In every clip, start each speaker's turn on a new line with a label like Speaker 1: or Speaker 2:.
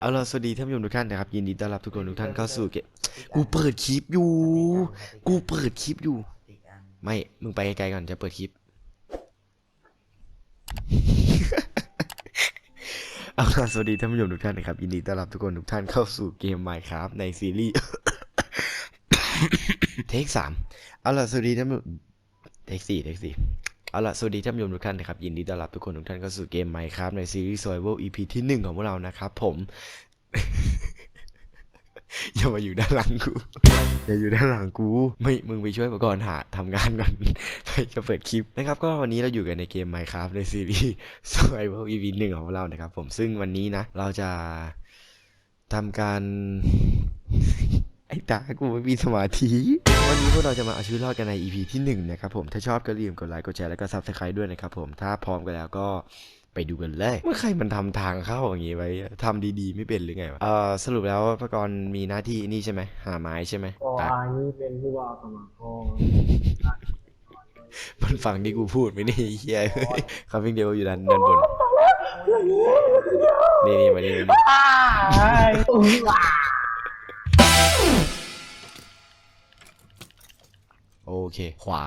Speaker 1: เอาล่ะสวัสดีท่านผู้ชมทุกท่านนะครับยินดีต้อนรับทุกคนทุกท่านเข้าสู่เกมกูเปิดคลิปอยู่กูเปิดคลิปอยู่ไม่มึงไปไกลๆก่อนจะเปิดคลิปเอาล่ะสวัสดีท่านผู้ชมทุกท่านนะครับยินดีต้อนรับทุกคนทุกท่านเข้าสู่เกม Minecraft ในซีรีส์ เทค3เอาล่ะสวัสดีท่านเทค4เอาล่ะสวัสดีท่านผู้ชมทุกท่านนะครับยินดีต้อนรับทุกคนทุกท่านเข้าสู่เกม Minecraft ในซีรีส์ Survival EP ที่1ของพวกเรานะครับผม อย่ามาอยู่ด้านหลังกูอย่าอยู่ด้านหลังกูไม่มึงไปช่วยมาก่อนหาทำงานก่อน ไปจะเปิดคลิปนะครับก็วันนี้เราอยู่กันในเกม Minecraft ในซีรีส์ Survival EP 1ของพวกเรานะครับผมซึ่งวันนี้นะเราจะทำการ ไอ้ตากูไม่มีสมาธิวันนี้พวกเราจะมาเอาชีวิตรอดกันใน EP ที่1นะครับผมถ้าชอบก็อย่าลืมกดไลค์กดแชร์แล้วก็ Subscribe ด้วยนะครับผมถ้าพร้อมกันแล้วก็ไปดูกันเลยเมื่อใครมันทำทางเข้าอย่างงี้ไว้ทำดีๆไม่เป็นหรือไงวะสรุปแล้วพระกรมีหน้าที่นี่ใช่ไหมหาไม้ใช่ไหม
Speaker 2: ก็อันนี้เป็นผู้ว่าสมัครก็
Speaker 1: มันฟังที่กูพูดไม่ได้เฮียเขาเพียงเดียวอยู่ด้านบนนี่มานี่โอเคขวา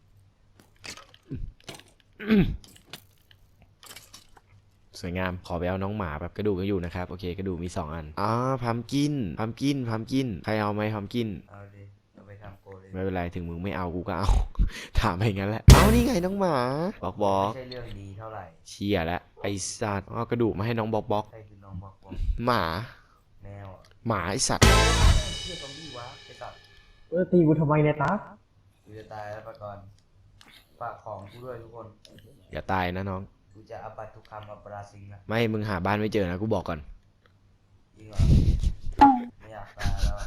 Speaker 1: สวยงามขอไปเอาน้องหมาแบบกระดูกก็อยู่นะครับโอเคกระดูกมี2อันพัมกินใครเอาไหมพัมกิน
Speaker 3: เอาดิเอาไปทำโกเลย
Speaker 1: ไม่เป็นไรถึงมึงไม่เอากูก็เอา ถามไปงั้นแหละเอานี่ไงน้องหมาบอก
Speaker 3: ไม่ใช่เรื่องดีเท่าไหร่
Speaker 1: เชียแล้วไอ้สัตว์เอากระดูกมาให้น้องบอก
Speaker 3: ใครคือน้องบอก
Speaker 1: หมา
Speaker 3: แมวอ่ะ
Speaker 1: หมาไอ้สัตว์
Speaker 3: เชื่อซอมบี้วะไปตัด
Speaker 2: ตีกูทำไมเนี่ยตา
Speaker 3: กูจะตายแล้วปะก่อนฝากของกูด้วยทุกคน
Speaker 1: อย่าตายนะน้อง
Speaker 3: กูจะอัปบัตทุกคำอัปราซิงนะ
Speaker 1: ไม่มึงหาบ้านไม่เจอนะกูบอกก่อน
Speaker 3: จริงเหรอไม่อยากตายแล้ว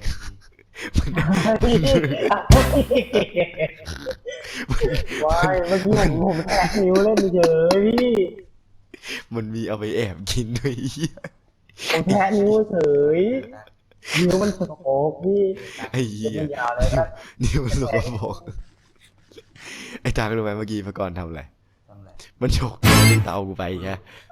Speaker 2: ว้ายเมื่อกี้ผมแทะนิ้วเล่นเฉยพี่
Speaker 1: มันมีเอาไปแอบกินด้วย
Speaker 2: ผมแทะนิ้วเฉยนิ้วมันสกปรกพี่
Speaker 1: ไอ้เหี้ย
Speaker 2: ยาวเลยนะ
Speaker 1: นิ้วมันสกปรกไอ้ตารู้ไหมเมื่อกี้พระกรทำอะไรมันฉกนิ้วเตากูไปแค่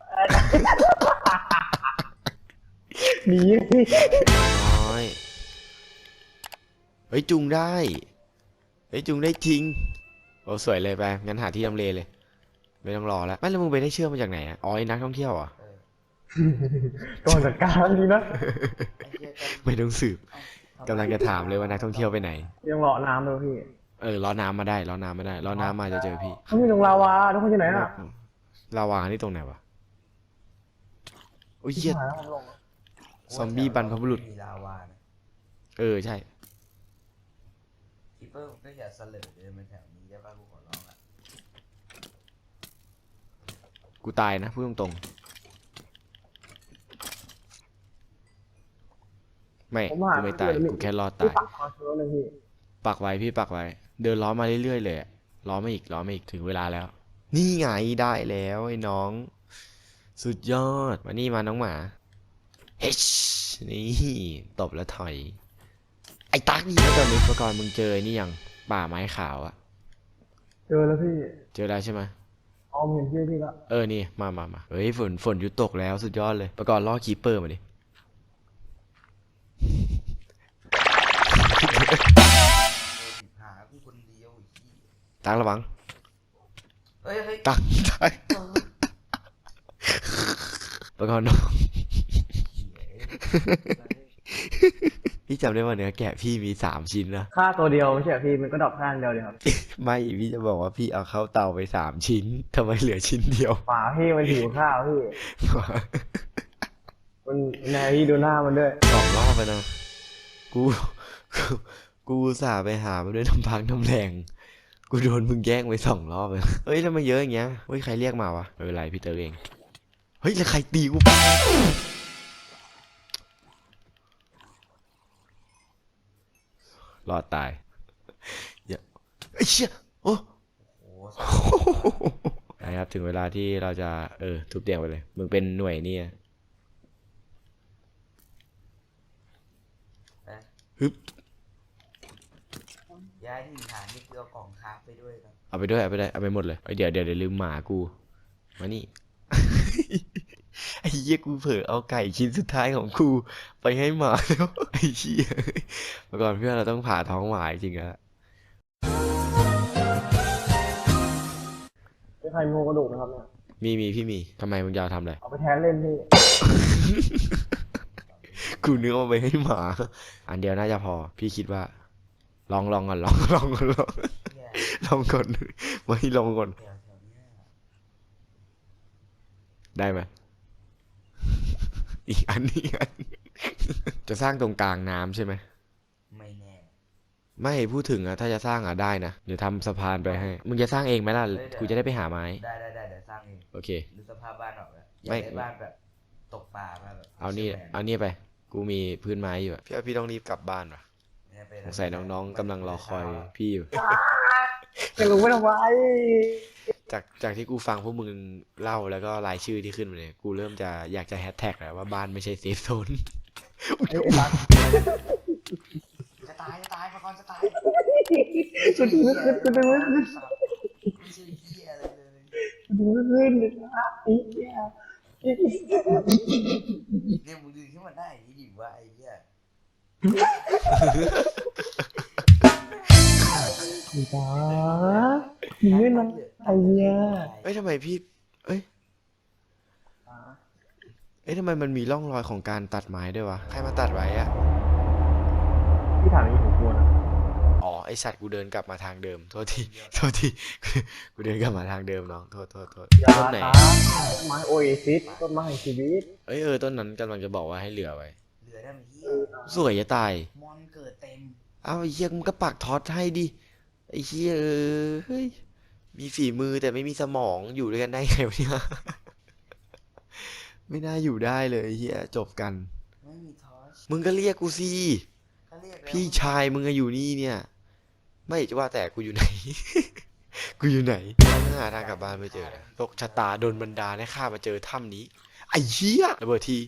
Speaker 2: หนี
Speaker 1: น้อยเฮ้ยจุงได้จริงโอ้สวยเลยไปงั้นหาที่ทำเลเลยไม่ต้องรอแล้วไม่แล้วมึงไปได้เชื่อมาจากไหนอ๋อไอ้นักท่องเที่ยวอ่ะ
Speaker 2: ก่อนจัดการดีนะ
Speaker 1: ไม่ต้องสืบกำลังจะถามเลยว่านักท่องเที่ยวไปไหน
Speaker 2: ยังเลาะน้ำเลยพี่
Speaker 1: ล้อน้ำมาได้ล้อน้ำมาจะเจอพี่
Speaker 2: เขามีตรงลาวาทุกคนอยู่ไหนน่ะ
Speaker 1: ลาวานี่ตรงไหนวะโอ้ยเหี้ยซอมบี้บรรพบุรุษ
Speaker 3: มีลาวานะ
Speaker 1: ใช่
Speaker 3: คิปเปอร์ก็อย่าเสลอเดินมาแถวนี้ได้ป่ะกูขอร้องอ่ะ
Speaker 1: กูตายนะพูดตรงๆไม่กูไม่ตายกูแค่รอดตายปักไว้พี่ปักไว้เดินล้อมาเรื่อยๆเลยล้อมาอีกถึงเวลาแล้วนี่ไงได้แล้วไอ้น้องสุดยอดมานี่มาน้องหมาเฮ้ยนี่ตบแล้วถอยไอ้ตั๊กนี่ตอนนี้ประกรณ์มึงเจอนี่ยังป่าไม้ขาวอะ
Speaker 2: เจอแล้วพี่
Speaker 1: เจอแล้วใช่ไหม
Speaker 2: เห็นพี่ละ
Speaker 1: นี่มาเฮ้ยฝนหยุดตกแล้วสุดยอดเลยประกรณ์ล่อคีเปอร์มาดิ
Speaker 3: หากูคนเดียว
Speaker 1: ตั๊กระวัง
Speaker 3: เฮ้ย
Speaker 1: ตั๊กประกรณ์น้องพี่จำได้ว่าเนื้อแกะพี่มี3 ชิ้นนะ
Speaker 2: ค่าตัวเดียวไม่ใช่พี่มันก็ดรอปข้างเดียวเลยครับ
Speaker 1: ไม่พี่จะบอกว่าพี่เอาเข้าเตาไป3 ชิ้นทำไมเหลือชิ้นเดียว
Speaker 2: ฝาพี่มันหิวข้าวพี่มันนายพี่ดูหน้ามันด้วย
Speaker 1: 2 รอบไปนะกูสาไปหามาด้วยน้ำพักน้ำแรงกูโดนมึงแย่งไป2 รอบเลยเฮ้ยทำไมเยอะอย่างเงี้ยเฮ้ยใครเรียกมาวะไม่เป็นไรพี่เตอร์เองเฮ้ยแล้วใครตีกูรอดตายอย่าไอ้เชี่ยโอ้นะครับถึงเวลาที่เราจะทุบเตียงไปเลยมึงเป็นหน่วยนี่ฮึบ
Speaker 3: ย้ายถิ่นฐานนี่คือเอากล่องคราฟไปด้วยครับ
Speaker 1: เอาไปด้วยเอาไปหมดเลยเดี๋ยวลืมหมากูมานี่ ไไอ้เหี้ยกูเผลอเอาไก่ชิ้นสุดท้ายของกูไปให้หมาแล้วไอ้เหี้ยเมื่อก่อนเพื่อนเราต้องผ่าท้องหมาจริงๆอะ
Speaker 2: เป็นใครมีโครงกระดูกนะครับเนี่ย
Speaker 1: มีพี่มีทำไมมึงจะเอาทำอะไร
Speaker 2: เอาไปแทนเล่นพี่
Speaker 1: กูนึกเอาไปให้หมา อันเดียวน่าจะพอ พี่คิดว่า ลองก่อนลองก่อน
Speaker 3: เนี่ย
Speaker 1: ลองก่อนไม่ลองก่อน
Speaker 3: แถวเนี้ย
Speaker 1: ได้ไหม อีกอันจะสร้างตรงกลางน้ำใช่ไหม
Speaker 3: ไม่แน่
Speaker 1: ไม่พูดถึงอะถ้าจะสร้างอะได้นะ เดี๋ยวทำสะพานไปให้ มึงจะสร้างเองไหมล่ะ กูจะได้ไปหาไม้
Speaker 3: ได้เดี๋ยวสร้างเอง
Speaker 1: โอเค
Speaker 3: ดูสภาพบ้านออกแล้วอยา
Speaker 1: ไม่
Speaker 3: กได้บ้านแบบตกปลาบ้านแบบ
Speaker 1: เอานี่
Speaker 3: เชฟแมน
Speaker 1: เอานี่ไป กูมีพื้นไม้อยู่อะพี่ต้องรีบกลับบ้านว่ะ
Speaker 3: เนี่ยไป
Speaker 1: สงสัยน้องๆกำลังรอคอยพี่อยู่
Speaker 2: จะรู้ไม่ทำไม
Speaker 1: จากที่กูฟังพวกมึงเล่าแล้วก็รายชื่อที่ขึ้นมาเนี่ย กูเริ่มจะอยากจะแฮชแท็กแล้วว่าบ้านไม่ใช่เซฟโซน
Speaker 2: ไอ้รัก
Speaker 3: จะตายพระกรจะตาย
Speaker 2: กูดูไม่ขึ้นกูดูไม่ขึ้น
Speaker 3: ไม่ใช่เหี้ยอะไรเลย
Speaker 2: กูดูไม่ขึ้นเลยนะไอ้เหี้ย
Speaker 3: เนี่ยมึงดึงขึ้นมาได้อย่างนี้ดิว่าไอ้เหี้ย
Speaker 2: อีตามึงไม่นะไอ้เหี้ย
Speaker 1: เอ้ยทำไมพี่เอ้ยทำไมมันมีร่องรอยของการตัดไม้ด้วยวะ ใครมาตัดไว้อะ
Speaker 2: พี่ถามอย่างนี้ผมกลัวนะ
Speaker 1: อ๋อไอสัตว์กูเดินกลับมาทางเดิม โทษที กูเดินกลับมาทางเดิมน้อง โทษ
Speaker 2: อย่า
Speaker 1: ต้นไหน
Speaker 2: ตาต้นไม้โอเอซิสต้นไม้แห่งชีวิต
Speaker 1: ต้นนั้นกำลังจะบอกว่าให้เหลือไว้
Speaker 3: เหลือได้ไหมเหี้ย
Speaker 1: สวยจะตาย
Speaker 3: มอนเกิดเต็ม
Speaker 1: เอ้าไอ้เหี้ยมึงก็ปักท็อตให้ดิ ไอ้เหี้ยเฮ้ย มีฝีมือแต่ไม่มีสมองอยู่ด้วยกันได้ไงวะเนี่ย ไม่น่าอยู่ได้เลยไอ้เหี้ยจบกัน
Speaker 3: ไม่มีทอช
Speaker 1: มึงก็เรียกกูสิ
Speaker 3: ก็เรียกแล้ว
Speaker 1: พี่ชายมึงอะอยู่นี่เนี่ย ไม่จะว่าแต่กูอยู่ไหน กูอยู่ไหนหาทางกลับบ้านไม่เจอโลกชะตาโดนบันดาลให้ข้ามาเจอถ้ำนี้ ไอ้เหี้ยระเบิดที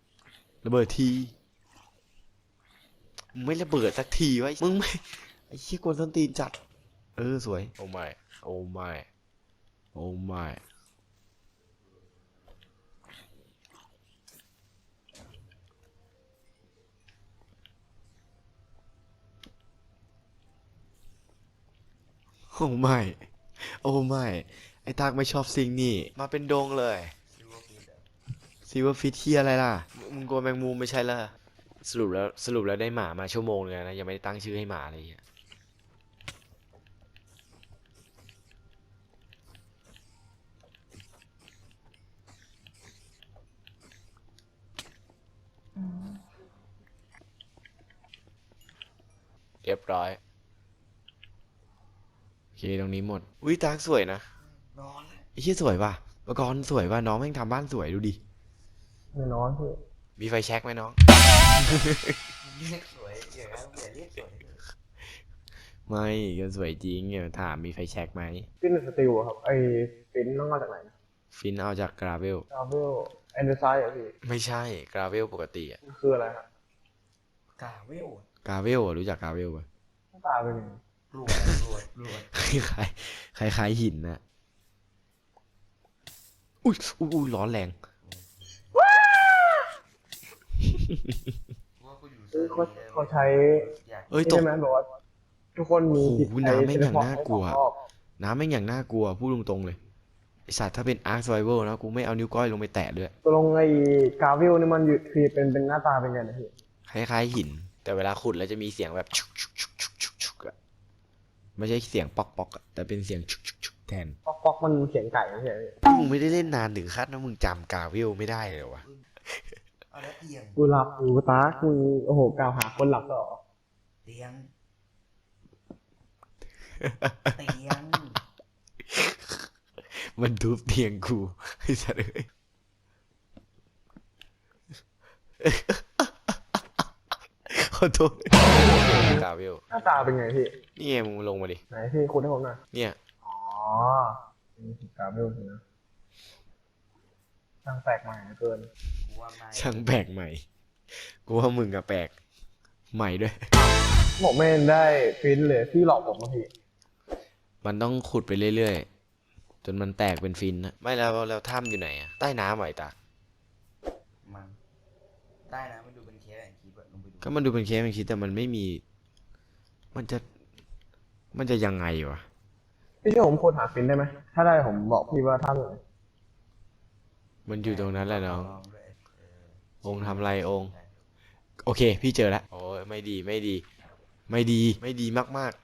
Speaker 1: มึงไม่ระเบิดสักทีวะมึงไม่ไอ้เหี้ยกวนส้นตีนจัด สวย โอ้ไม่โอ้ไม่ไอ้ตากไม่ชอบสิ่งนี้มาเป็นดงเลย
Speaker 3: ซิลเวอร์ฟิชอะ
Speaker 1: ซีว่าฟิตเฮียอะไรล่ะ มึงกลัวแมงมุมไม่ใช่ล่ะ สรุปแล้วได้หมามาชั่วโมงนึงแล้วนะ ยังไม่ได้ตั้งชื่อให้หมาเลยอ่ะเรียบร้อย โอเค ตรงนี้หมด อุ้ยตากสวยนะ
Speaker 3: นอนเลย
Speaker 1: ไอ้เชี่ยสวยป่ะเมื่อก่อนสวยป่ะน้องแม่งทำบ้านสวยดูดิ
Speaker 2: ไม่นอนพี่
Speaker 1: มีไฟแช็กไหมน้อง
Speaker 3: เรียกสวยเดี๋ยวนะอย่าเรียกสวยเลย
Speaker 1: ไม่ก็สวยจริงเนี่ยถามมีไฟแช็กไหม
Speaker 2: ฟินสติลอะครับไอ้ฟินต้องมาจากไหนนะ
Speaker 1: ฟินเอาจากกราเวล
Speaker 2: ดาวเวลแอนเดอร์ไซด์อะพี่
Speaker 1: ไม่ใช่กราเวลปกติอะ
Speaker 2: มันคืออะไรฮะ
Speaker 3: กาเวลอะ
Speaker 1: กราเวลรู้จักกราเวลป่ะ
Speaker 2: หน้าตาเป็นยังไง
Speaker 3: รวด
Speaker 1: คล้ายหินนะอุ้ยร้อนแรง
Speaker 3: ว่ากูอยู่
Speaker 2: คือเขาใช้
Speaker 3: อยาก
Speaker 1: เอ้ยตก
Speaker 2: ใช่ไหมบอกว่าทุกคนมีจิต
Speaker 1: โอ้โห
Speaker 2: ใจ
Speaker 1: น้ำแม่งอย่าง
Speaker 2: เฉพาะ
Speaker 1: น่ากลัว
Speaker 2: ให้ความชอบ
Speaker 1: น้ำแม่งอย่างน่ากลัวพูดตรงๆเลยไอสัตว์ถ้าเป็นอาร์ค r ไ i เวลนะกูไม่เอานิ้วก้อยลงไปแตะด้วย
Speaker 2: ตัวลงไอ้กาวิลนี่มันอยู่คือเป็นหน้าตาเป็นไงนะพี่
Speaker 1: คล้ายหิน แต่เวลาขุดแล้วจะมีเสียงแบบชุกอะไม่ใช่เสียงป๊อกอะแต่เป็นเสียงชุกแทน
Speaker 2: ป๊อกมันเสียงไก่ไม่ใช่เหรอพี่
Speaker 1: มึงไม่ได้เล่นนานถึงขั้นนะมึงจำกราเวลไม่ได้เลยวะ
Speaker 3: เอาแล้วเตียง
Speaker 2: กูหลับกูตากูโอ้โหกล่าวหาคนหลับต่อ
Speaker 3: เตียง
Speaker 1: มันทุบเตียงกูไอ้สัตว์เอ้ยขอโทษกราเวล
Speaker 2: หน้าตาเป็นไงพี่
Speaker 1: นี่ไงมึงลงมาดิ
Speaker 2: ไหนพี่คุณให้ผมหน่อย
Speaker 1: เนี่ย
Speaker 2: อ๋อกาวิลนะช่างแปลกใหม่เหลือเกิน
Speaker 3: กูว่าไม่
Speaker 1: ช่างแปลกใหม่ กูว่ามึงอะแปลกใหม่ด้วย
Speaker 2: ผมไม่ได้ฟินเลยพี่หลอกผมมาพี่
Speaker 1: มันต้องขุดไปเรื่อยๆ จนมันแตกเป็นฟินนะไม่แล้วถ้ำอยู่ไหนอะใต้น้ำไหวตา
Speaker 3: ได้นะมันดูเป็นเคสแอนด์คีปอะลงไปดู
Speaker 1: ก็มันดูเป็นเคสมันคิดแต่มันไม่มี มันจะ มันจะยังไงวะ
Speaker 2: พี่ช่วยผมค้นหาฟินได้ไหมถ้าได้ผมบอกพี่ว่าท่านเลย
Speaker 1: มันอยู่ตรงนั้นแหละน้อง
Speaker 3: ลด้วย
Speaker 1: องค์ทำอะไรองค์ โอเค พี่เจอแล้ว โอ้ยไม่ดี ไม่ดี ไม่ดี ไม่ดีมาก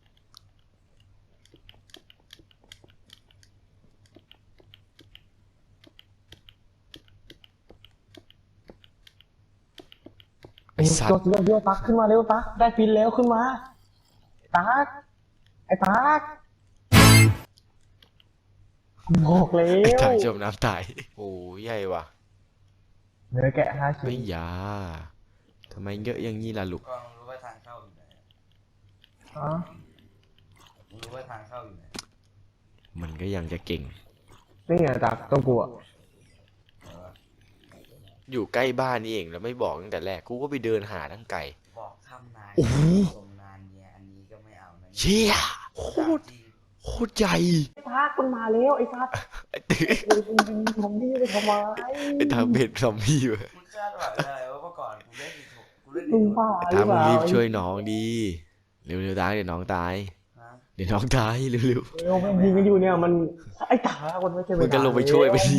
Speaker 1: ๆ ไอ้สัต
Speaker 2: โย
Speaker 1: ว์
Speaker 2: โยโยตักขึ้นมาเร็วตักได้ฟินแล้วขึ้นมาตักไอ้ตักบอกแล้
Speaker 1: ไอ้
Speaker 2: ว
Speaker 1: ถ่ายจมน้ำตาย โอ้ยใหญ่ว่ะ
Speaker 2: เนื้อแกะ5 ชิ้
Speaker 1: ไม่
Speaker 2: น
Speaker 1: ยาทำไมเยอะอย่างนี้ล่ะลูก
Speaker 3: ก็รู้ว่าทางเข้าอยู่ไหน
Speaker 2: อ๋อ
Speaker 3: รู้ว่าทางเข้าอยู่ไหน
Speaker 1: มันก็ยังจะเก่ง
Speaker 2: นี่ไงตักต้องกลัว
Speaker 3: เออ
Speaker 1: อยู่ใกล้บ้านนี่เองแล้วไม่บอกตั้งแต่แรก กูก็ไปเดินหาทั้งไกล
Speaker 3: บอกทำนาย
Speaker 1: โอ้โห
Speaker 3: ทรงนานเนี่ยอันนี้ก็ไม่เอานะ
Speaker 1: เชี่ยโคตร โคตรใหญ่
Speaker 2: ไอ้ตักมันมาแล้วไอ้ตักไอ้ผมพี่ไปทำไม
Speaker 1: ไอ้ทางเบ็ดซอมบี้เว้ย
Speaker 3: มึงคาดหวังอะไรวะเมื่อก่อนกูเล่นอีกกูเล่น
Speaker 2: ลุ
Speaker 3: อี
Speaker 2: ง
Speaker 3: ก
Speaker 2: บ้าห
Speaker 1: ทาง
Speaker 2: รือเป
Speaker 1: มึง
Speaker 2: ล่า
Speaker 1: รีบช่วยน้องดี เร็วๆตายเดี๋ยวน้องตาย
Speaker 3: ฮะ
Speaker 1: เดี๋ยวน้องตายเร็ว
Speaker 2: เร็วมันยิงกันอยู่เนี่ยมันไอ้ตักมันไม่ใช่
Speaker 1: ๆมึงก็ลงไปช่วยไปดิ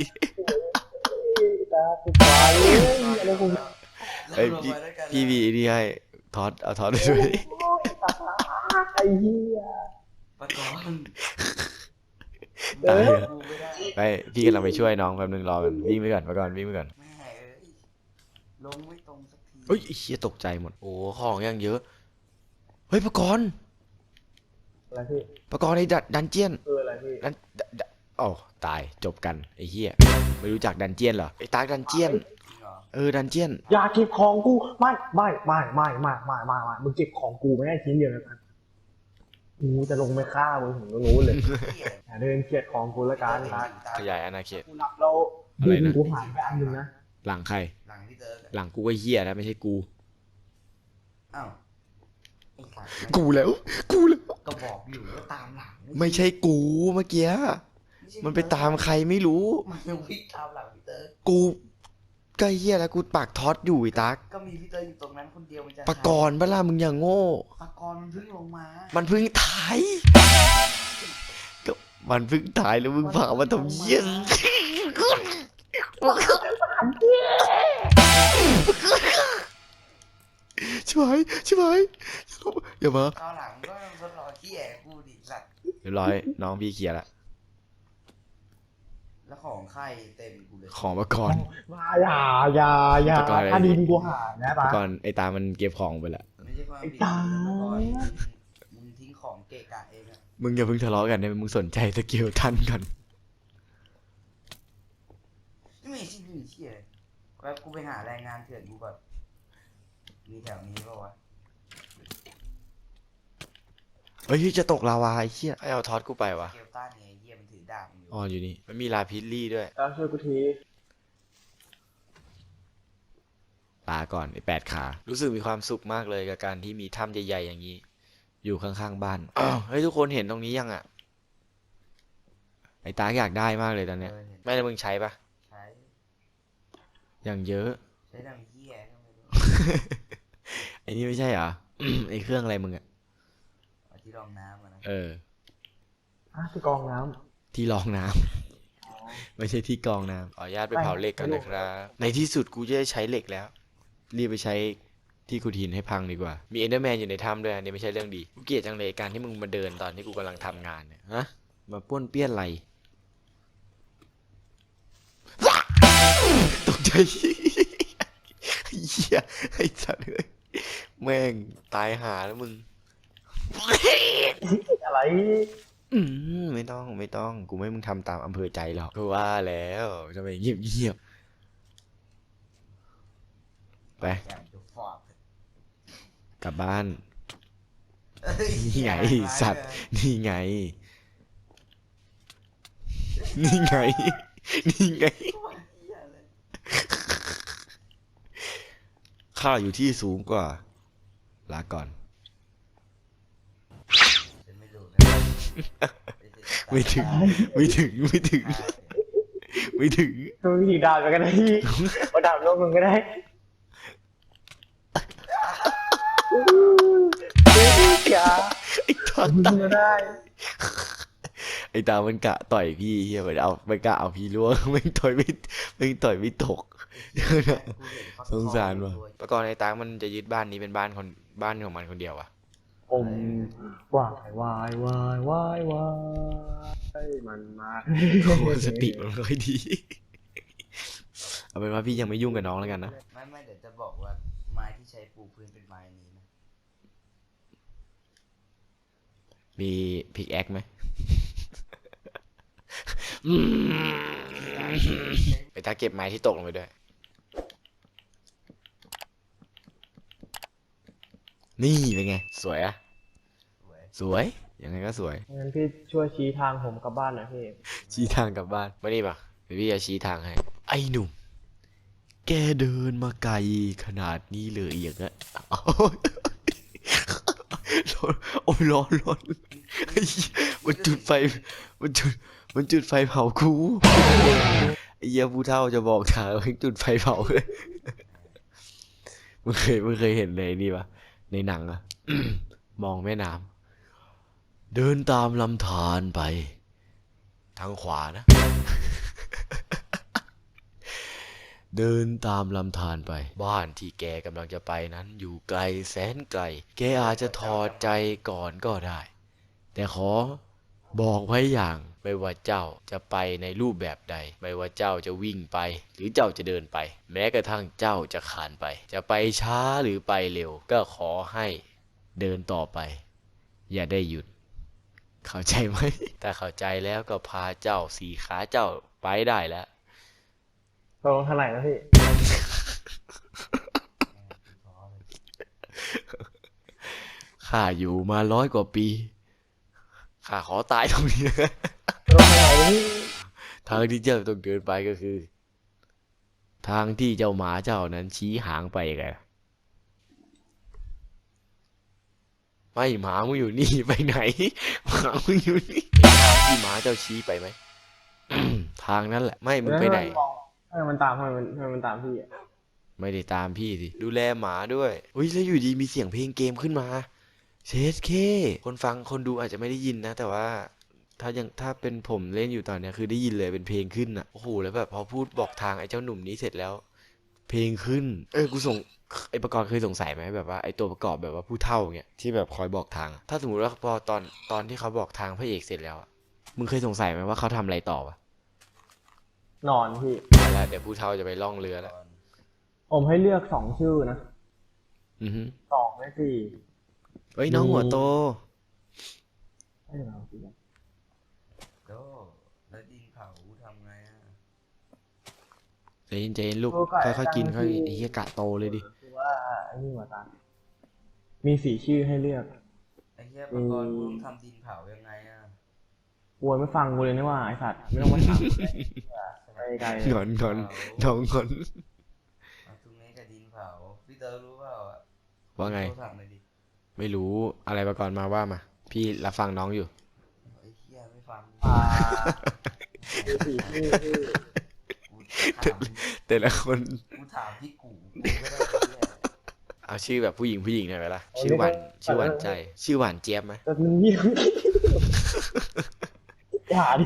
Speaker 2: ตักไปอะไรกู
Speaker 1: เอ้ย
Speaker 3: ลง
Speaker 1: พี่
Speaker 3: ไปด้วยกัน
Speaker 1: พี่มีไอ้นี่ให้ทอดเอาทอดไปด้วย
Speaker 2: ตักไอ้เหี้ย
Speaker 3: ประกอบ
Speaker 1: ตายอะ
Speaker 3: กูไม่ได้
Speaker 1: ไปพี่กำลังไปช่วยน้องแป๊บนึงรอกันวิ่งไปก่อนวิ่งไปก่อน
Speaker 3: แม่เอ้ยลงไม่ตรงสักที
Speaker 1: เฮ้ยไอ้เชี่ยตกใจหมด โอ้ของยังเยอะ เฮ้ยปะกรณ์
Speaker 2: อะไรพี่
Speaker 1: ปะกรณ์ไอ้ดันเจียน
Speaker 2: อะไรพี่
Speaker 1: อ๋อตายจบกันไอ้เหี้ยไม่รู้จักดันเจียนเหรอไอ้ตากดันเจียน
Speaker 3: จริงเหรอ
Speaker 1: ดันเจียน
Speaker 2: อย่าเก็บของกูไม่มึงเก็บของกูไม่ได้ชิ้นเดียวนะกูจะลงไปฆ่ามึงถึงรู้เลย
Speaker 3: เหี้ย
Speaker 2: อย่าเดินเกลียดของกูละกันนะ
Speaker 1: ขยายอาณาเขต
Speaker 2: กูนับเรา
Speaker 1: อะไรนะ
Speaker 2: กูหายไปอันหนึงนะ
Speaker 1: หลังใคร
Speaker 3: หลังพี่เติร์ก
Speaker 1: หลังกูก็เหี้ยแล้วไม่ใช่กู
Speaker 3: อ้าวไอ้สัตว์
Speaker 1: กูแล้ว
Speaker 3: ก็บอกอยู่ว่าตามหลัง
Speaker 1: ไม่ใช่กูเมื่อกี้
Speaker 3: ไม่ใช่
Speaker 1: มันไปตามใครไม่รู้
Speaker 3: มันยังวิ่งตามหลังพี่เติร์ก
Speaker 1: กูก็เหี้ยแล้วกูปากท็อตอยู่ไอ้ตัก
Speaker 3: ก็มีพี่เติร์กอยู่ตรงนั้นคนเดียวมันจะ
Speaker 1: ปะกรณ์เวลามึงอย่างโง่
Speaker 3: ปากรมันเพิ่งลงมา
Speaker 1: มันเพิ่งถ่ายก็มันเพิ่งถ่ายแล้วมึงพามาทำเหี้ยชิบหายอย่ามา
Speaker 3: คราวหลังก็ทดลองขี้แอบกูดิสัตว์
Speaker 1: เรียบร้อยน้องพี่เคลียร์ละ
Speaker 3: แล้วของใครเต็มกูเลย
Speaker 1: ของมาก่อน
Speaker 2: มาอย่า
Speaker 1: ปะกรณ์อะไร
Speaker 2: ถ้าดีกูหานะปะ
Speaker 1: ก่อนไอ้ตามันเก็บของไปละ
Speaker 3: ไม่ใช่ความผิด
Speaker 2: ไอ้ตา
Speaker 3: เมื่อก่อนมึงทิ้งของเกะกะเองอะ
Speaker 1: มึงอย่าเพิ่งทะเลาะกันนะมึงสนใจสกิลท่านก่อน
Speaker 3: ไม่ใช่ไม่เชี่ยแล้วกูไปหาแรงงานเถื่อนกูก่อนมีแถวนี้ป่าวะ
Speaker 1: เฮ้ยจะตกลาวาไอ้เหี้ยไอ้เอาทอดกูไปวะ
Speaker 3: เกลต้าเนี่ยไอ้เหี้ยมันถือดาบอยู่
Speaker 1: อ๋ออยู่นี่มันมีลาพิลลี่ด้วย
Speaker 2: ตาช่วยกูที
Speaker 1: ลาก่อนไอ้8 ขารู้สึกมีความสุขมากเลยกับการที่มีถ้ำใหญ่ๆอย่างนี้ อยู่ข้างๆบ้านอ้าวเฮ้ยทุกคนเห็นตรงนี้ยังอ่ะไอ้ตาอยากได้มากเลยตอนเนี้ย
Speaker 3: เห็น
Speaker 1: ไม่ได้มึงใช้ปะ
Speaker 3: ใช้
Speaker 1: อย่างเยอะ
Speaker 3: ใช้ดำเหี้ยก็ไม่รู้
Speaker 1: ไอ้นี่ไม่ใช่เหรอ ไอ้เครื่องอะไรมึงอ่ะ
Speaker 3: เอาที่รองน้ำอะนะ
Speaker 2: ที่กองน้
Speaker 1: ที่รองน้ำ ไม่ใช่ที่กรองน้ำขออนุญาตไปเผาเหล็กกันนะครับ ในที่สุดกูจะได้ใช้เหล็กแล้ว รีบไปใช้ที่ขุดหินให้พังดีกว่า มีเอนเดอร์แมนอยู่ในถ้ำด้วยอันนี้ไม่ใช่เรื่องดี กูเกลียดจังเลยการที่มึงมาเดินตอนที่กูกำลังทำงานเนี่ย ฮะ มาป้วนเปี้ยนอะไร ตกใจ เหี้ยไอ้สัตว์เลยแม่งตายหาแล้วมึง
Speaker 2: ำอะไร
Speaker 1: ไม่ต้อง กูไม่ให้มึงทำตามอำเภอใจหรอกกูว่าแล้วทำไมเงียบไป
Speaker 3: แกมจะฟอด
Speaker 1: กลับบ้าน
Speaker 3: เอ้ย
Speaker 1: นี่ไง
Speaker 3: ร้าย
Speaker 1: สัตว์
Speaker 3: เลย
Speaker 1: นี่ไง นี่ไง นี่ไง
Speaker 3: โคตรเหี้ยเลย
Speaker 1: ข้าอยู่ที่สูงกว่า ลาก่อน
Speaker 3: ฉันไม่รู้นะ
Speaker 1: ไม่ถึง ไม่ถึง ไม่ถึง ไม่ถึง
Speaker 2: ดูวิธีดาบไปกันได้ที่มาดาบโลกมึงก็ได้
Speaker 1: ไอ้ตา
Speaker 2: มึ
Speaker 1: ตาง
Speaker 2: ก็ได้
Speaker 1: ไอ้ตามันกะต่อยพี่เฮียมันกะเอาพี่ล่วงไม่ต่อยไม่ตก
Speaker 3: กูเห็นเขา
Speaker 1: สงสารว่ะ
Speaker 3: ตัว
Speaker 1: ประกอบไอ้ตามันจะยึดบ้านนี้เป็นบ้านของมันคนเดียวอ่ะ
Speaker 2: ผมวายวายวายวายวายมันมาก
Speaker 1: โอ้โหสติมันไม่ค่อยดี เอาเป็นว่าพี่ยังไม่ยุ่งกับน้องแล้วกันนะ
Speaker 3: ไม่เดี๋ยวจะบอกว่าไม้ที่ใช้ปูพื้นเป็นไม้นี้นะ
Speaker 1: มีพิกแอคไหม ไปตาเก็บไม้ที่ตกลงไปด้วย นี่เป็นไง สวยอะ
Speaker 3: สวย
Speaker 1: สวย ยังไงก็สวย
Speaker 2: งั้นพี่ช่วยชี้ทางผมกลับบ้านหน่อยพี่
Speaker 1: ชี้ทางกลับบ้านมานี่ปะเดี๋ยวพี่จะชี้ทางให้ ไอ้หนุ่ม แกเดินมาไกลขนาดนี้เลยอย่างเงี้ยโอ้ยร้อนโอ้ยร้อนไอ้เหี้ยมันจุดไฟมันจุดไฟเผากูไอ้เหี้ยผู้เฒ่าจะบอกทางมันจุดไฟเผาเลยมึงเคยเห็นเลยนี่ปะในหนังอะ มองแม่น้ำเดินตามลำธารไป ทางขวานะ เดินตามลำธารไป บ้านที่แกกำลังจะไปนั้นอยู่ไกลแสนไกล แกอาจจะถอดใจก่อนก็ได้ แต่ขอบอกไว้อย่างไม่ว่าเจ้าจะไปในรูปแบบใด ไม่ว่าเจ้าจะวิ่งไป หรือเจ้าจะเดินไป แม้กระทั่งเจ้าจะคลานไป จะไปช้าหรือไปเร็ว ก็ขอให้เดินต่อไป อย่าได้หยุด เข้าใจไหม ถ้าเข้าใจแล้วก็พาเจ้าสี่ขาเจ้าไปได้แล้ว
Speaker 2: ตรงทางไหนนะพี่
Speaker 3: ท้อเลย
Speaker 1: ข้าอยู่มา100 กว่าปี ข้าขอตายตรงนี้นะ
Speaker 2: ตรงทางไหนนะพี่
Speaker 1: ทางที่เจ้าต้องเดินไปก็คือ ทางที่เจ้าหมาเจ้านั้นชี้หางไปไงไม่หมามึงอยู่นี่ไปไหน หมามึงอยู่นี่ที่หมาเจ้าชี้ไปไหม ทางนั้นแหละ ไม่มึงไปไหน
Speaker 2: ทำไมมันตามทำไมมันตามพี่อ่ะ
Speaker 1: ไม่ได้ตามพี่สิ ดูแลหมาด้วยอุ้ยแล้วอยู่ดีมีเสียงเพลงเกมขึ้นมาเชสเคคนฟังคนดูอาจจะไม่ได้ยินนะ แต่ว่าถ้าเป็นผมเล่นอยู่ตอนเนี้ยคือได้ยินเลยเป็นเพลงขึ้นอ่ะโอ้โหแล้วแบบพอพูดบอกทางไอ้เจ้าหนุ่มนี้เสร็จแล้ว เพลงขึ้น กูส่งไอ้ประกอบเคยสงสัยไหมแบบว่าไอ้ตัวประกอบแบบว่าผู้เฒ่าเงี้ยที่แบบคอยบอกทางอะถ้าสมมติว่าพอตอนที่เขาบอกทางพระเอกเสร็จแล้วอะมึงเคยสงสัยไหมว่าเขาทำอะไรต่อวะ
Speaker 2: นอนพี่
Speaker 1: เอาละเดี๋ยวผู้เฒ่าจะไปล่องเรือแล้ว
Speaker 2: ผมให้เลือก2 ชื่อนะ
Speaker 1: อือฮึ
Speaker 2: 2และ4
Speaker 1: เฮ้ยน้องหัวโต
Speaker 2: ให้เราสิครับ
Speaker 3: โดแล้วดินเผาทำไงอ่ะ
Speaker 1: ใจเย็นๆลูกค่อยๆกินค่อยไอ้เหี้ยกะโตเลยดิ
Speaker 2: คือว่าไอ้นี่หัวตามี4 ชื่อให้เลือก
Speaker 3: ไอ้เหี้ยประกอบมึงทำดินเผายังไงอ่ะ
Speaker 2: กวนไม่ฟังกูเลยนะว่าไอ้สัตว์ไม่ต้องมาถามไปไกลเลย
Speaker 1: งอนน้องงอน
Speaker 3: เอาตรงนี้กับดินเผาพี่เตอร์รู้เปล่าอ่ะ
Speaker 1: ว่าไง
Speaker 3: โทรศัพท์หน่อยดิ
Speaker 1: ไม่รู้อะไรมาก่อนมาว่ามา พี่รับฟังน้องอยู่
Speaker 3: ไอ้เหี้ยไม่ฟัง
Speaker 2: อ่ามี4 ชื่อที่
Speaker 3: กูถาม
Speaker 1: แต่ละคน
Speaker 3: กูถามพี่กูก็ได้ไอ้เหี้ย
Speaker 1: เอาชื่อแบบผู้หญิงหน่อยไหมล่ะ ชื่อหวานใจ ชื่อหวานเจี๊ยบไหม
Speaker 2: แต่มึงเงียบอย่าดิ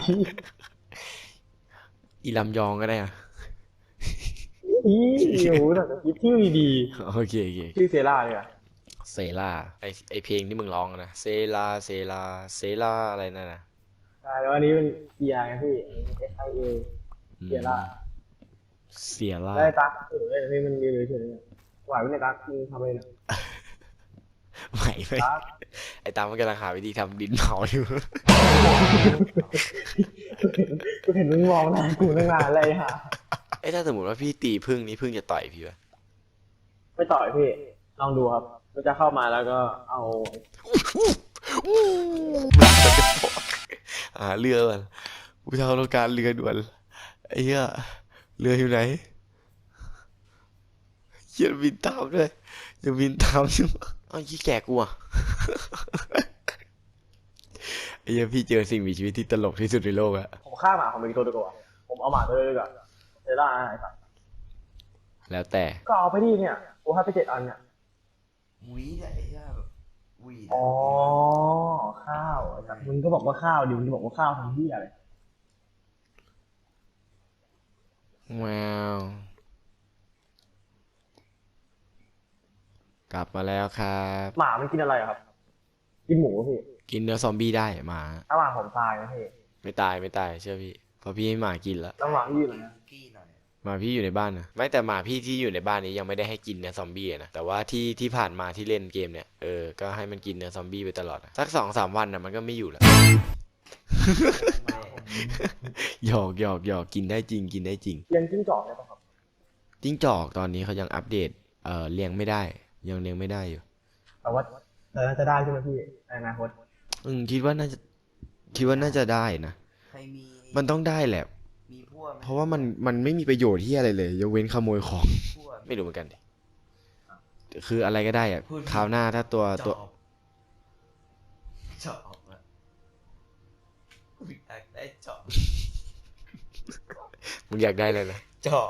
Speaker 1: อีลำยองก็ได้อะ
Speaker 2: อีโอ้โหแต่คิดชื่อดี
Speaker 1: โอเค
Speaker 2: ๆชื่อเซร่าเลยอ่ะ
Speaker 1: เซล่าไอเพลงที่มึงร้องอะนะเซล่าอะไรนั่นนะ
Speaker 2: ใช่แล้วอันนี้เป็นเกียร์ไงพี่ SIA เกียร์ล่า
Speaker 1: เสียล่า
Speaker 2: ได้ตั๊กนี่มันมีเลยเฉยๆไหวไม่ได้ตั๊กมึงทำอะไรนะ
Speaker 1: ไหวไหม
Speaker 2: ตั๊ก
Speaker 1: ไอตามมันกำลังหาวิธีทำดินเผาอยู่
Speaker 2: กูเห็นมึงมองหน้ากูตั้งนานเลยฮะ
Speaker 1: ไอ้ถ้าสมมติว่าพี่ตีพึ่งนี้พึ่งจะต่อยพี่ปะ
Speaker 2: ไม่ต่อยพี่ลองดูครับมันจะเข้ามาแล้วก็เอา
Speaker 1: มันจะบอกเรือก่อนผู้เฒ่าต้องการเรือด่วนไอ้เหี้ยเรืออยู่ไหนเหี้ยบินตามด้วยจะบินตามใช่ไหมอ้าวยี่แก่กูอ่ะ ไอ้เหี้ยพี่เจอสิ่งมีชีวิตที่ตลกที่สุดในโลกอะ
Speaker 2: ผมฆ่าหมาผมเป็นตัวดีกว่าผมเอาหมาตัวเลยดีกว่าเซร่าไอ้สัส
Speaker 1: แล้วแต่
Speaker 2: ก็เอาไปดิเนี่ยกูให้ไป7 อันเนี่ย
Speaker 3: หวีเนี่ยไอ้เหี้ยแบบหกุย
Speaker 2: อ๋อข้าวแต่มึงก็บอกว่าข้าวดิมึงจะบอกว่าข้าวทำที่อะไร
Speaker 1: ว้าวกลับมาแล้วครับ
Speaker 2: หมามันกินอะไรอะครับ กินหมูพี่
Speaker 1: กินเนื้อซอมบี้ได้หมา
Speaker 2: ถ้าหมาผมตายนะพี่
Speaker 1: ไม่ตายไม่ตายเชื่อพี่เพราะพี่ให้หมากินแล้ว
Speaker 2: แล้วหมาพี่อยู่ไหนอะ
Speaker 3: คุกกี้หน่อย
Speaker 1: หมาพี่อยู่ในบ้านนะไม่แต่หมาพี่ที่อยู่ในบ้านนี้ยังไม่ได้ให้กินเนื้อซอมบี้อะนะแต่ว่าที่ผ่านมาที่เล่นเกมเนี่ยก็ให้มันกินเนื้อซอมบี้ไปตลอดอะสัก2-3 วันนะมันก็ไม่อยู่แล้ว หยอกกินได้จริงกินได้จริง
Speaker 2: เลี้ยงจิ้งจอกได้ปะครับ
Speaker 1: จิ้งจอกตอนนี้เขายังอัปเดตเลี้ยงไม่ได้ยังเลี้ยงไม่ได้อยู่
Speaker 2: แต่ว่าน่าจะได้ใช่ไหมพี่ในอนาคต
Speaker 1: คิดว่าน่าจะได้นะ
Speaker 3: ใครมี
Speaker 1: มันต้องได้แหละ
Speaker 3: มีพวกไหม
Speaker 1: เพราะว่ามันไม่มีประโยชน์ที่อะไรเลยยกเว้นขโมยของ
Speaker 3: พวก
Speaker 1: ไม่รู้เหมือนกันดิคืออะไรก็ได้อะ
Speaker 3: พูดผิด
Speaker 1: คราวหน้าถ้าตัว
Speaker 3: จอบอะอยากได้จอบ
Speaker 1: มึงอยากได้เลยนะ
Speaker 3: จอบ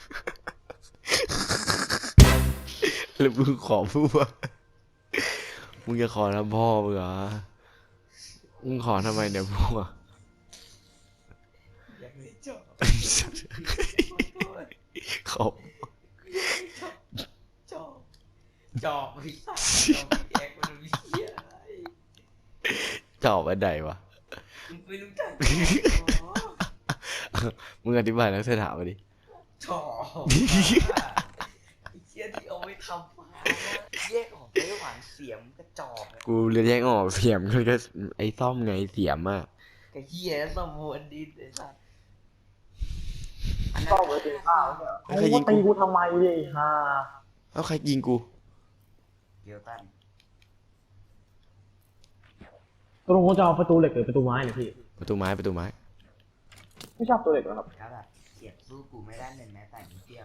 Speaker 1: แล้วมึงขอพูดว่ามึงจะขอทำพ่อมึงเหรอมึงขอทำไมเนี่ยพวก
Speaker 3: อยากได้จอบ
Speaker 1: ขอ
Speaker 3: จอบจอบไม่ใช่จอบแยกมันมีเหี้ยอะไร
Speaker 1: จอบอันใดวะ
Speaker 3: มึงไม่รู้จัก
Speaker 1: มึงอธิบายแล้วเธอถามมาดิ
Speaker 3: จอบไอ้เหี้ยที่เอาไว้ทำฟ้าแยกออกระหว่างเสียมกับจอบอะ
Speaker 1: กูเรียนแยกออกเสียมก็ไอ้ซ่อมไงเสียมอ่ะ
Speaker 3: กับเหี้ยสมบูรณ์ดินไอ้สัส
Speaker 2: ก็ไปกินข้าวเนี่ยโอ้โหตีกูทำไมเนี่ยไอ้ห่า
Speaker 1: เอาใครยิงกู
Speaker 3: เกียวตัน
Speaker 2: ตกลงเขาจะเอาประตูเหล็กหรือประตูไม้เนี่ยพี่
Speaker 1: ประตูไม้
Speaker 2: ไม่ชอบตัวเหล็กเหรอครับ
Speaker 3: ครับแบบเสียบสู้กูไม่ได้เลยแม้แต่นิดเดียว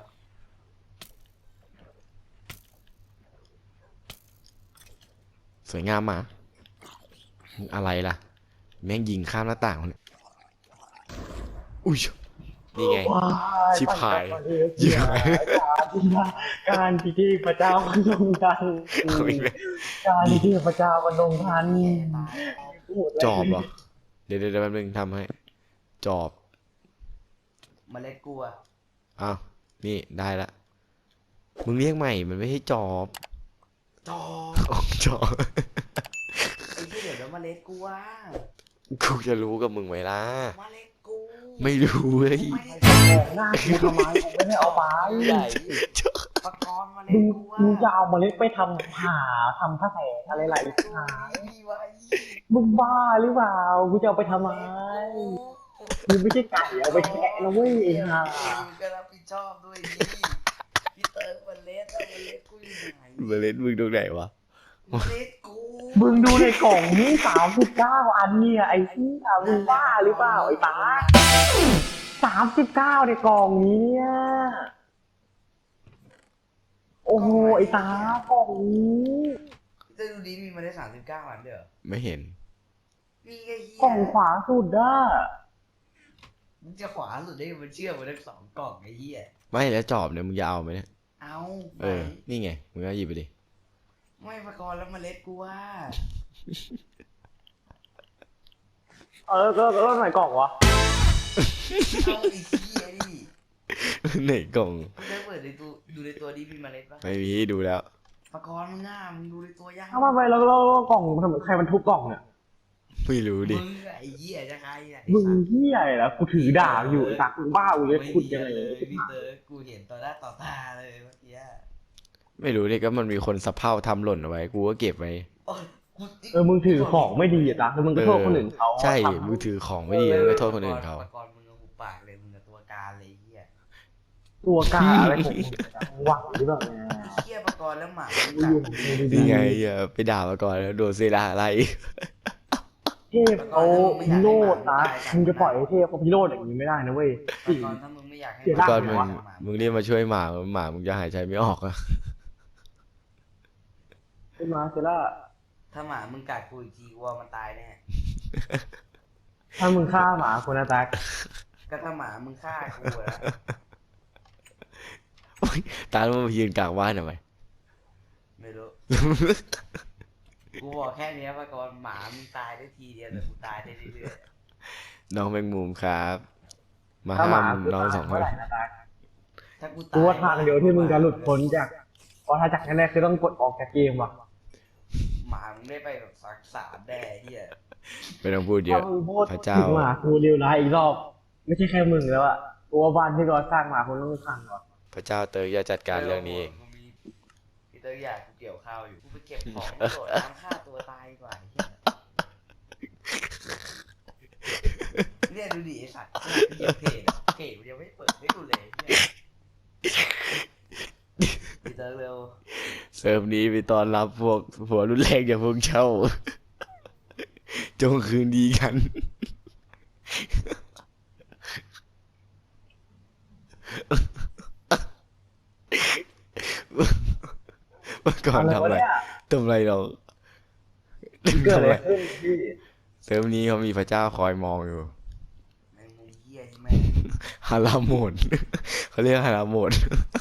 Speaker 1: สวยงามมาอะไรล่ะ แม่งยิงข้ามหน้าต่างเลยอุ้ยนี่ไง
Speaker 2: ว้าย
Speaker 1: ชิบหาย
Speaker 2: ชิบหายการพิธีพระเจ้ามันลงทัน
Speaker 1: เอาอีกแล้ว
Speaker 2: การพิธีพระเจ้ามันลงทัน
Speaker 1: จอบเหรอ เดี๋ยวแป๊บนึงทำให้ จอบ
Speaker 3: เมล็ดกลัว
Speaker 1: อ้าวนี่ได้ละ มึงเรียกใหม่ มันไม่ใช่จอบ
Speaker 3: จอบ
Speaker 1: อ๋อจอบ
Speaker 3: ไอ้ที่เดี๋ยวแล้วเมล็ดกลัว
Speaker 1: กูจะรู้กับมึงไหมล่ะ
Speaker 3: เมล็ดกู
Speaker 1: ไม่รู้เว้ย
Speaker 3: ไม่ได้
Speaker 2: ของหน้ากูทำไมกูไม่ได้เอาไป
Speaker 3: ใหญ่ปากรณ์เมล็
Speaker 2: มึ
Speaker 3: ด
Speaker 2: ง
Speaker 3: กลัว
Speaker 2: มึงจะเอาเมล็ดไปทำผ่าทำผ้าแสงอะไรหลายหา
Speaker 3: ดีไว้
Speaker 2: มึงบ้าหรือเปล่ากูจะเอาไปทำไมมึงไม่ใช่ไก่เอาไปแคะนะเว้ยไอ้ห่า
Speaker 3: มึงก็รับผิดชอบด้วยดิพี่เติร์กเมล็ดอะเมล็ดกูอยู่ไหน
Speaker 1: เมล็ดมึงตรงไหนวะ
Speaker 3: เมล็ดกู
Speaker 2: มึงดูในกล่องนี้39 อันเนี่ยไอ้ที่มึงบ้าหรือเปล่าไอ้ตา39ในกล่องนี้เนี่ยโอ้โหไอ้ตากล่องนี้
Speaker 3: จะดูดีมีเมล็ด39 อันเด้อ
Speaker 1: ไม่เห็น
Speaker 3: มีไอ้เหี้ย
Speaker 2: กล่องขวาสุดอ่ะ
Speaker 3: มึงจะขวาสุดได้มันเชื่อมาทั้ง2 กล่องไอ้เหี้ย
Speaker 1: ไม่แล้วจอบเนี่ยมึงจะเอาไหมเนี่ย
Speaker 3: เอา
Speaker 1: นี่ไง มึงก็หยิบไปดิ
Speaker 3: ไม่ปากรณ์แล้วเมล็ดกูว่า
Speaker 2: ก็ไหนกล่องวะ
Speaker 3: เอาไอ้เหี้ยดิ
Speaker 1: ไหนกล่อง
Speaker 3: มึงได้เปิดในตัวดูในตัวดีมีเมล็ดปะ
Speaker 1: ไม่มีดูแล้ว
Speaker 3: ปากรณ์มึงง่ามึงดูในตัวยัง
Speaker 2: ทำไมแล้วกล่องทำไมใครมันทุบกล่องเนี่ย
Speaker 1: ไม่รู้ดิ
Speaker 3: มึงอะไอ้เหี้ยจะใครอะ
Speaker 2: มึงเหี้ยอะไรล่ะกูถือดาบอยู่ไอ้ตักมึงบ้ากูเลยขุดยังไง
Speaker 3: เลยพี่เตอร์กูเห็นต่อหน้าต่อตาเลยเมื่อกี้
Speaker 1: ไม่รู้ดิก็มันมีคนสะเพร่าทำหล่นเอาไว้ กูก็เก็บไว้
Speaker 3: โอ๊ยกู
Speaker 2: มึงถือของไม่ดีอ่ะตักแล้วมึงก็โทษคนอื่นเขา
Speaker 1: ใช่ มึงถือของไม่ดีแล้วก็โทษคนอื่นเขา
Speaker 3: ปากรณ์มึงเอาหูปากเลยมึงกับตัวการเลยไอ้เหี้ย
Speaker 2: ตัวกาอะไรของมึงอะหวังหรือเปล่าเนี่ย
Speaker 3: เหี้ยปากรณ์แล้วหมา
Speaker 2: กูอยู่ของมึงดี
Speaker 1: นี่ไงไปด่ามาก่อนแล้วโดนเซราอะไร
Speaker 2: ๆเทพเขาพิโรดนะมึงจะปล่อยให้เทพเขาพิโรดอย่างนี้ไม่ได้นะเว้ย
Speaker 3: ปากรณ์ถ้ามึงไม่อยากให้
Speaker 2: เสีย
Speaker 1: ก่
Speaker 2: ดา
Speaker 1: อนมึงเรียกมาช่วยหมามึงจะหายใจไม่ออกอะ
Speaker 2: ขึ้นมาเซล่า
Speaker 3: ถ้าหมามึงกัดกูอีกทีกูว่ามันตายแน่
Speaker 2: ถ้ามึงฆ่าหมาคนนะตัก
Speaker 3: ก็ถ้าหมามึงฆ่ากูอะ
Speaker 1: โอ๊ยตาแล้วมันมายืนกลางบ้านทำไม
Speaker 3: ไม่รู้กูกูบอกแค่เนี้ยมาก่อนหมามึงตายได้ทีเดียวแต่กูตายได้เรื่อย
Speaker 1: น้องแมงมุมครับ มา
Speaker 2: ถ้าห
Speaker 1: ห้า
Speaker 2: มา
Speaker 1: ม
Speaker 2: คือ
Speaker 1: น้อง
Speaker 2: ตาย
Speaker 1: สองค
Speaker 2: เมื่อน ไหร่นะตาย
Speaker 3: ๆถ้ากู
Speaker 2: กูว่าทางเดียวที่มึงจะหลุดพ้นจากเพราะถ้าจากแน่ๆคือต้องกดออกจากเกมว่ะ
Speaker 3: หมามึงได้ไปแบบสักสามแด่เฮีย
Speaker 1: ไม่ต้องพูดเย
Speaker 2: ถ้า
Speaker 1: อะ
Speaker 2: มึงพูด
Speaker 1: พระเจ้า
Speaker 2: ถึงหมากูเร็วร้ายอีกรอบ ไม่ใช่แค่มึงแล้วอะกูว่าบ้านที่เราสร้างมาคนต้องพังก่อน
Speaker 1: พระเจ้าเติร์กจะจัดการเรื่องนี้เอง
Speaker 3: กูมีพีเตอร์อยากกูเกี่ยวข้าวอยู่กูไปเก็บของโดดน้ำฆ่าตัวตายดีกว่าเฮียเนี่ยดูดิไอสัตว์เหี้ยเพจมันยังไม่เปิดให้กูเลยเฮียพีเตอร์เร็ว
Speaker 1: เซิร์ฟนี้ไปต้อนรับพวกหัวรุนแรงอย่างพวกเจ้า จงคืนดีกัน เมื่อก่อน
Speaker 2: อะไร
Speaker 1: ทำ
Speaker 2: วะ
Speaker 1: อะไร
Speaker 2: เนี่ย
Speaker 1: ทำอะไรเรา
Speaker 2: เกิด
Speaker 1: ทำ
Speaker 2: อะ
Speaker 1: อะไร ไร
Speaker 2: ขึ้นพี่
Speaker 1: เซิร์ฟนี้เขามีพระเจ้าคอยมองอยู่
Speaker 3: แมงมุมเฮียใช่ไหม
Speaker 1: ฮาราโหมด เขาเรียกฮาราโหมด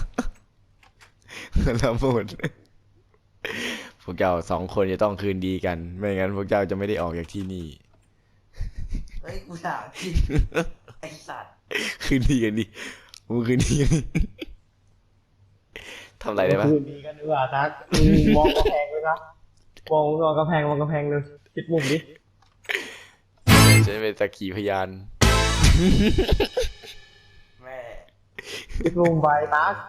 Speaker 1: ฮาราโหมด พวกเจ้าสองคนจะต้องคืนดีกัน ไม่งั้นพวกเจ้าจะไม่ได้ออกจากที่นี่
Speaker 3: เฮ้ยกูถามจริงไอสัตว์
Speaker 1: คืนดีกันดิมึงคืนดีกันดิทำอะไรได้ปะ
Speaker 2: คืนดีกันดีกว่าทักมองกระแพงเลยครับมองกระแพงเลยคิดมุมดิ
Speaker 1: ฉันเป็นสักขีพยาน
Speaker 3: แม่
Speaker 2: คิดมุมไปทัก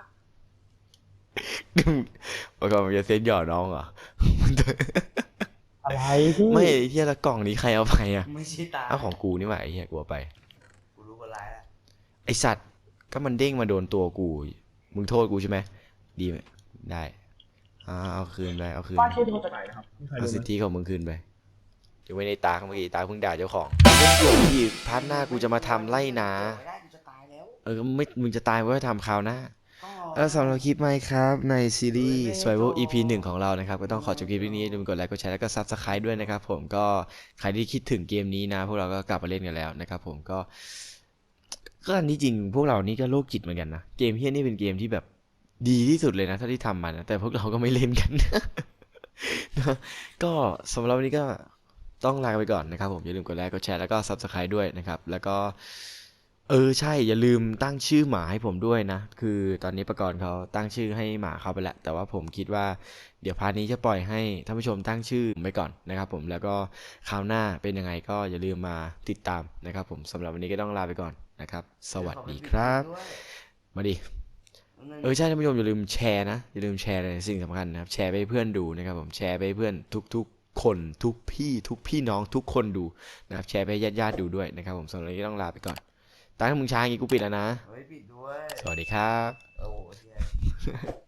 Speaker 1: เมื่อก่อนมันจะเซ็ตหยอดน้องเหรอ
Speaker 2: อะไรพี่
Speaker 1: ไม่ไอ้เฮียละกล่องนี้ใครเอาไปอ่ะ
Speaker 3: ไม่ใช่ตา
Speaker 1: เอาของกูนี่หว่าไอ้เฮียกูเอาไป
Speaker 3: กูรู้ว่าร้ายแล้ว
Speaker 1: ไอสัตว์ก็มันเด้งมาโดนตัวกู มึงโทษกูใช่ไหมดีไหมได้เอาคืนไปเอาคืน
Speaker 2: ป้าชื่อโทรจากไหนนะครับมีใคร
Speaker 1: เอา
Speaker 2: รู้
Speaker 1: สิท
Speaker 2: ไหม
Speaker 1: ธิของมึงคืนไปจะไว้ในตาเมื่อกี้ตาเพิ่งด่าเจ้าของเดี๋ยวพี่พาร์ทหน้ากูจะมาทำไล่นา
Speaker 3: ไม่ได้กูจะตายแล้ว
Speaker 1: ไม่มึงจะตายก็ทำคราวหน้า
Speaker 3: ก็
Speaker 1: สำหรับคลิปไหมครับในซีรีส์ Survival EP 1 ของเรานะครับก็ต้องขอจบคลิปนี้อย่าลืมกดไลค์กดแชร์แล้วก็ Subscribe ด้วยนะครับผมก็ใครที่คิดถึงเกมนี้นะพวกเราก็กลับมาเล่นกันแล้วนะครับผมก็อันที่จริงพวกเรานี่ก็โรคจิตเหมือนกันนะเกมเฮี้ยนี่เป็นเกมที่แบบดีที่สุดเลยนะเท่าที่ทำมานะแต่พวกเราก็ไม่เล่นกัน นะก็สำหรับวันนี้ก็ต้องลาไปก่อนนะครับผมอย่าลืมกดไลค์กดแชร์แล้วก็ Subscribe ด้วยนะครับแล้วก็ใช่อย่าลืมตั้งชื่อหมาให้ผมด้วยนะคือตอนนี้ประกรณ์เขาตั้งชื่อให้หมาเขาไปแล้วแต่ว่าผมคิดว่าเดี๋ยวพาร์ทนี้จะปล่อยให้ท่านผู้ชมตั้งชื่อไปก่อนนะครับผมแล้วก็คราวหน้าเป็นยังไงก็อย่าลืมมาติดตามนะครับผมสำหรับวันนี้ก็ต้องลาไปก่อนนะครับสวัสดีครับมาดิใช่ท่านผู้ชมอย่าลืมแชร์นะอย่าลืมแชร์ในสิ่งสำคัญนะครับแชร์ไปให้เพื่อนดูนะครับผมแชร์ไปให้เพื่อนทุกคนทุกพี่น้องทุกคนดูนะครับแชร์ไปให้ญาติๆดูด้วยนะครับผมสำหรับวันนี้ก็ต้องลาไปก่อนตั้งมึงช้าอย่างงี้กูปิดแล้วนะ
Speaker 3: เฮ้ยปิดด้วย
Speaker 1: สวัสดีครับ
Speaker 3: โอ้โหเหี้ย